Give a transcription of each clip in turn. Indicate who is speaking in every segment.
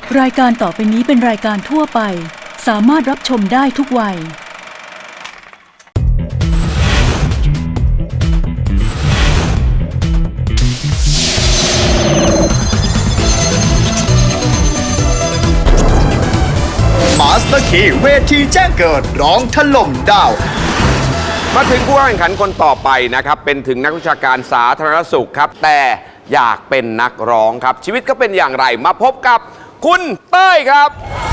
Speaker 1: รายการต่อไปนี้เป็นรายการทั่วไปสามารถรับชมได้ทุกวัย
Speaker 2: มาสเตอร์คีเวทีแจ้งเกิดร้องถล่มดาว
Speaker 3: มาถึงผู้แข่งขันคนต่อไปนะครับเป็นถึงนักวิชาการสาธารณสุขครับแต่อยากเป็นนักร้องครับชีวิตก็เป็นอย่างไรมาพบกับคุณเต้ยครับ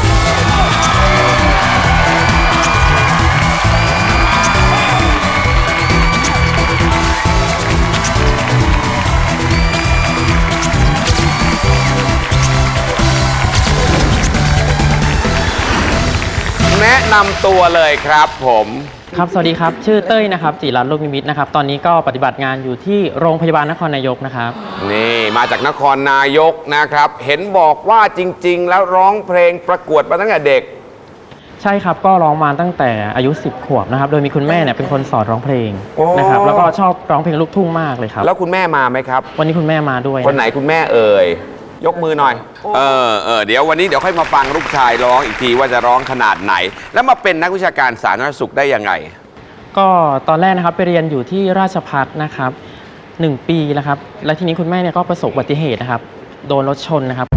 Speaker 3: แนะนำตัวเลยครับผม
Speaker 4: ครับสวัสดีครับชื่อเต้ยนะครับจิรัตน์ลูกนิมิตนะครับตอนนี้ก็ปฏิบัติงานอยู่ที่โรงพยาบาลนครนายกนะครับ
Speaker 3: นี่มาจากนครนายกนะครับเห็นบอกว่าจริงๆแล้วร้องเพลงประกวดมาตั้งแต่เด็ก
Speaker 4: ใช่ครับก็ร้องมาตั้งแต่อายุ10 ขวบนะครับโดยมีคุณแม่เนี่ยเป็นคนสอนร้องเพลงนะครับแล้วก็ชอบร้องเพลงลูกทุ่งมากเลยครับ
Speaker 3: แล้วคุณแม่มาไหมครับ
Speaker 4: วันนี้คุณแม่มาด้วย
Speaker 3: คนไหนคุณแม่เอ่ยยกมือหน่อยเดี๋ยววันนี้เดี๋ยวค่อยมาฟังลูกชายร้องอีกทีว่าจะร้องขนาดไหนแล้วมาเป็นนักวิชาการสาธารณสุขได้ยังไง
Speaker 4: ก็ตอนแรกนะครับไปเรียนอยู่ที่ราชภัฏนะครับ1 ปีนะครับและทีนี้คุณแม่เนี่ยก็ประสบอุบัติเหตุนะครับโดนรถชนนะครับ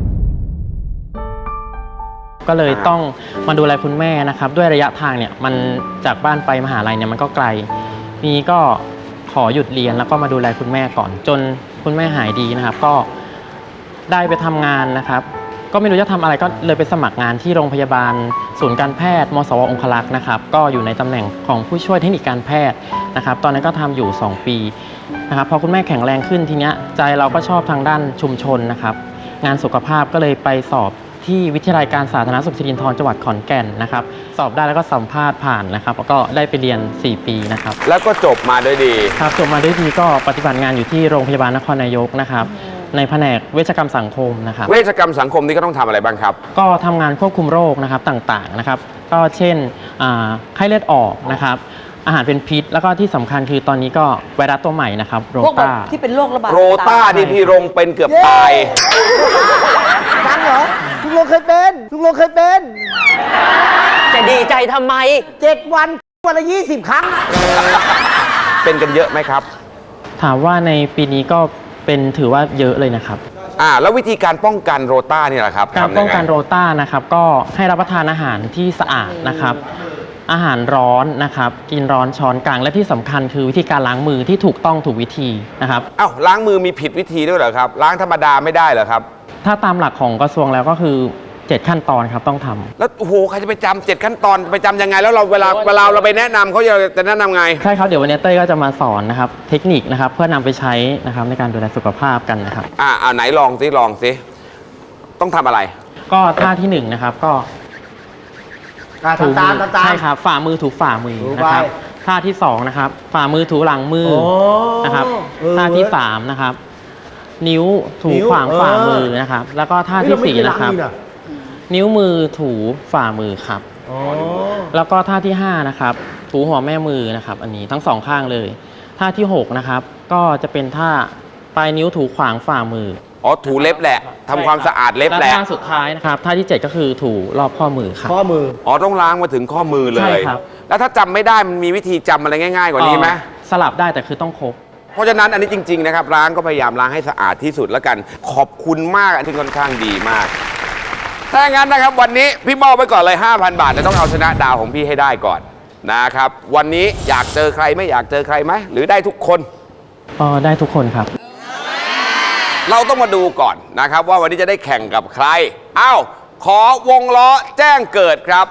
Speaker 4: ก็เลยต้องมาดูแลคุณแม่นะครับด้วยระยะทางเนี่ยมันจากบ้านไปมหาลัยเนี่ยมันก็ไกลนี้ก็ขอหยุดเรียนแล้วก็มาดูแลคุณแม่ก่อนจนคุณแม่หายดีนะครับก็ได้ไปทำงานนะครับก็ไม่รู้จะทำอะไรก็เลยไปสมัครงานที่โรงพยาบาลศูนย์การแพทย์มสวองคลักษ์นะครับก็อยู่ในตำแหน่งของผู้ช่วยเทคนิคการแพทย์นะครับตอนนั้นก็ทำอยู่2 ปีนะครับพอคุณแม่แข็งแรงขึ้นทีเนี้ยใจเราก็ชอบทางด้านชุมชนนะครับงานสุขภาพก็เลยไปสอบที่วิทยาลัยการสาธารณสุขสิรินธรจังหวัดขอนแก่นนะครับสอบได้แล้วก็สัมภาษณ์ผ่านนะครับแล้วก็ได้ไปเรียน4 ปีนะครับ
Speaker 3: แล้วก็จบมาด้วยดี
Speaker 4: ครับจบมาด้วยดีก็ปฏิบัติงานอยู่ที่โรงพยาบาลนครนายกนะครับในแผนกเวชกรรมสังคมนะครับ
Speaker 3: เวชกรรมสังคมนี่ก็ต้องทำอะไรบ้างครับ
Speaker 4: ก็ทำงานควบคุมโรคนะครับต่างๆนะครับก็เช่นไข้เลือดออกนะครับอาหารเป็นพิษแล้วก็ที่สำคัญคือตอนนี้ก็ไวรัสตัวใหม่นะครับโรต้า
Speaker 5: ที่เป็นโรคระบาด
Speaker 3: โรต้าที่พี่รงเป็นเกือบตาย
Speaker 5: ดังเหรอลุงลงเคยเป็นจะดีใจทำไม7 วันวันละ20 ครั้ง
Speaker 3: เป็นกันเยอะไหมครับ
Speaker 4: ถามว่าในปีนี้ก็เป็นถือว่าเยอะเลยนะครับ
Speaker 3: แล้ววิธีการป้องกันโรต้านี่แหละครับ
Speaker 4: การป้องกันโรต้านะครับก็ให้รับประทานอาหารที่สะอาดนะครับอาหารร้อนนะครับกินร้อนช้อนกลางและที่สำคัญคือวิธีการล้างมือที่ถูกต้องถูกวิธีนะครับ
Speaker 3: ล้างมือมีผิดวิธีด้วยเหรอครับล้างธรรมดาไม่ได้เหรอครับ
Speaker 4: ถ้าตามหลักของกระทรวงแล้วก็คือ7 ขั้นตอนครับต้องทำ
Speaker 3: แล้วโอ้โหใครจะไปจำ7 ขั้นตอนไปจำยังไงแล้วเราเวลาเราไปแนะนำเขาจะแนะนำไง
Speaker 4: ใช่ครับเดี๋ยววันนี้เต้ยก็จะมาสอนนะครับเทคนิคนะครับเพื่อนำไปใช้นะครับในการดูแลสุขภาพกันนะครับ
Speaker 3: ไหนลองสิต้องทำอะไร
Speaker 4: ก็ท่าที่1นะครับก็
Speaker 5: ถูตาม
Speaker 4: ใช่ครับฝ่ามือถูฝ่ามือนะครับท่าที่2นะครับฝ่ามือถูหลังมือนะครับท่าที่3นะครับนิ้วถูขวางฝ่ามือนะครับแล้วก็ท่าที่4นะครับนิ้วมือถูฝ่ามือครับแล้วก็ท่าที่5นะครับถูหัวแม่มือนะครับอันนี้ทั้ง2 ข้างเลยท่าที่6นะครับก็จะเป็นท่าปลายนิ้วถูขวางฝ่ามือ
Speaker 3: ถูเล็บแหละทำความสะอาดเล็บแหละ
Speaker 4: และท่าสุดท้ายนะครับท่าที่7ก็คือถูรอบข้อมือครับ
Speaker 5: ข้อมือ
Speaker 3: ต้องล้างมาถึงข้อมือเลย
Speaker 4: ใช่ครับ
Speaker 3: แล้วถ้าจำไม่ได้มันมีวิธีจำอะไรง่ายๆกว่านี้ไหม
Speaker 4: สลับได้แต่คือต้องครบ
Speaker 3: เพราะฉะนั้นอันนี้จริงๆนะครับล้างก็พยายามล้างให้สะอาดที่สุดแล้วกันขอบคุณมากอันที่ค่อนข้างดีมากถ้าอย่างนั้นนะครับวันนี้พี่มอบไว้ก่อนเลย 5,000 บาทจะต้องเอาชนะดาวของพี่ให้ได้ก่อนนะครับวันนี้อยากเจอใครไม่อยากเจอใครไหมหรือได้ทุกคน
Speaker 4: ได้ทุกคนครับ
Speaker 3: เราต้องมาดูก่อนนะครับว่าวันนี้จะได้แข่งกับใครขอวงล้อแจ้งเกิดครับ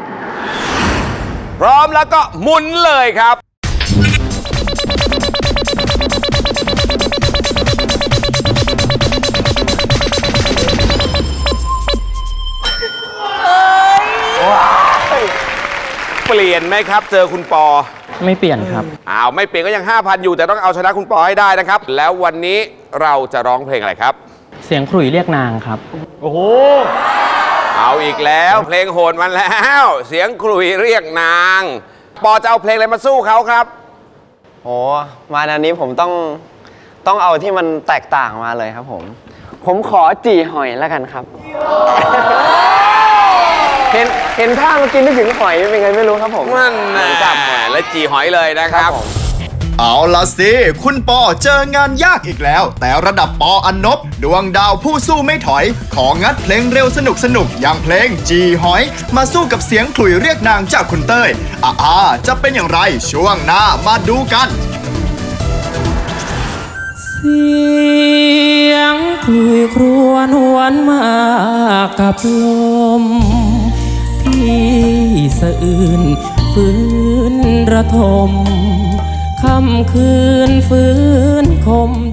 Speaker 3: พร้อมแล้วก็หมุนเลยครับเปลี่ยนไหมครับเจอคุณปอ
Speaker 4: ไม่เปลี่ยนครับ
Speaker 3: ไม่เปลี่ยนก็ยัง 5,000 อยู่แต่ต้องเอาชนะคุณปอให้ได้นะครับแล้ววันนี้เราจะร้องเพลงอะไรครับ
Speaker 4: เสียงขลุ่ยเรียกนางครับ
Speaker 5: โอ้โห
Speaker 3: เอาอีกแล้วเพลงโหดมันแล้วเสียงขลุ่ยเรียกนางปอจะเอาเพลงอะไรมาสู้เขาครับ
Speaker 6: มาอันนี้ผมต้องเอาที่มันแตกต่างมาเลยครับผมขอจี่หอยแล้วกันครับเห็นท่าเมื่อกี้นึกถึงหอยเป็นไงไม่รู้ครับผม
Speaker 3: มันจับแหมและจีหอยเลยนะครับ
Speaker 2: เอาล่ะสิ คุณปอเจองานยากอีกแล้ว แต่ระดับปออันนบดวงดาวผู้สู้ไม่ถอย ของงัดเพลงเร็วสนุกอย่างเพลงจีหอย มาสู้กับเสียงขลุ่ยเรียกนางจากคุณเต้ยจะเป็นอย่างไรช่วงหน้ามาดูกัน
Speaker 7: เสียงคลุยครวญหวนมากับลมที่สะอื้นฟื้นระทมค่ำคืนฟื้นคม